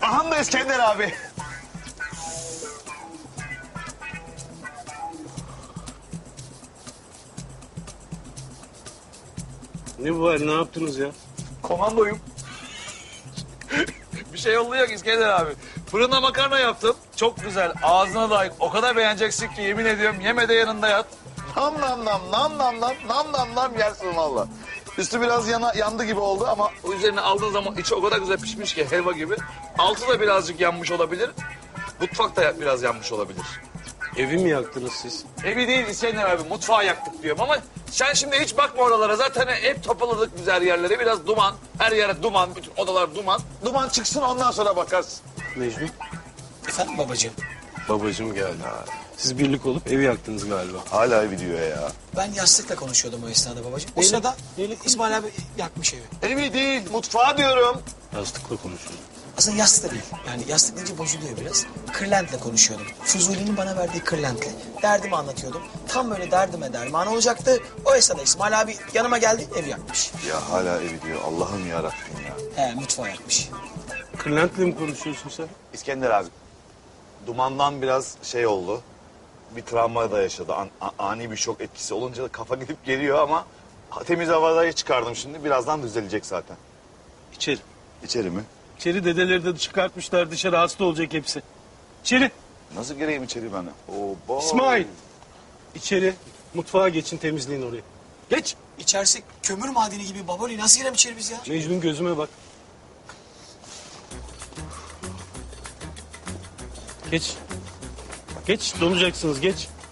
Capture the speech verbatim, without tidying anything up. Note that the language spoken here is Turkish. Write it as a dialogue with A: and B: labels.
A: Aham da İskender abi.
B: Ne bu var? Ne yaptınız ya?
A: Komandoyum.
C: Bir şey yolluyor İskender abi. Fırında makarna yaptım. Çok güzel. Ağzına layık. O kadar beğeneceksin ki yemin ediyorum yeme de yanında yat.
A: Nam nam nam nam nam nam nam nam nam yersin valla. Üstü biraz yana, yandı gibi oldu ama
C: O üzerine aldığın zaman içi o kadar güzel pişmiş ki helva gibi. Altı da birazcık yanmış olabilir. Mutfak da biraz yanmış olabilir.
B: Evi mi yaktınız siz?
C: Evi değil İskender abi mutfağı yaktık diyorum ama sen şimdi hiç bakma oralara. Zaten hep topladık güzel yerlere. Biraz duman. Her yere duman. Bütün odalar duman.
A: duman çıksın ondan sonra bakarsın.
B: Mecnun,
D: Efendim babacığım?
B: babacığım geldi. Siz birlik olup evi yaktınız galiba.
A: Hala evi diyor ya.
D: Ben yastıkla konuşuyordum o esnada babacığım. O sırada İsmail abi yakmış evi.
A: Evi değil mutfağı diyorum.
B: Yastıkla konuşuyoruz.
D: Aslında yastık da değil. Yani yastık deyince bozuluyor biraz. Kırlentle konuşuyordum. Fuzuli'nin bana verdiği kırlentle. Derdimi anlatıyordum. Tam böyle derdime derman olacaktı. O esnada İsmail abi yanıma geldi, ev yakmış.
A: Ya hala evi diyor. Allah'ım yarabbim ya.
D: He, mutfağı yakmış.
B: Kırlent'le mi konuşuyorsun sen?
A: İskender abi. Dumandan biraz şey oldu. Bir travma da yaşadı. An- a- ani bir şok etkisi olunca kafa gidip geliyor ama temiz havadayı çıkardım şimdi. Birazdan düzelecek zaten.
B: İçeri.
A: İçeri mi?
B: İçeri dedeleri de çıkartmışlar dışarı hasta olacak hepsi. İçeri.
A: Nasıl gireyim içeri ben? Oba.
B: İsmail. İçeri. Mutfağa geçin temizleyin orayı. Geç.
D: İçerisi kömür madeni gibi baboli. Nasıl girelim içeri biz ya?
B: Mecnun gözüme bak. Geç. Geç donacaksınız geç.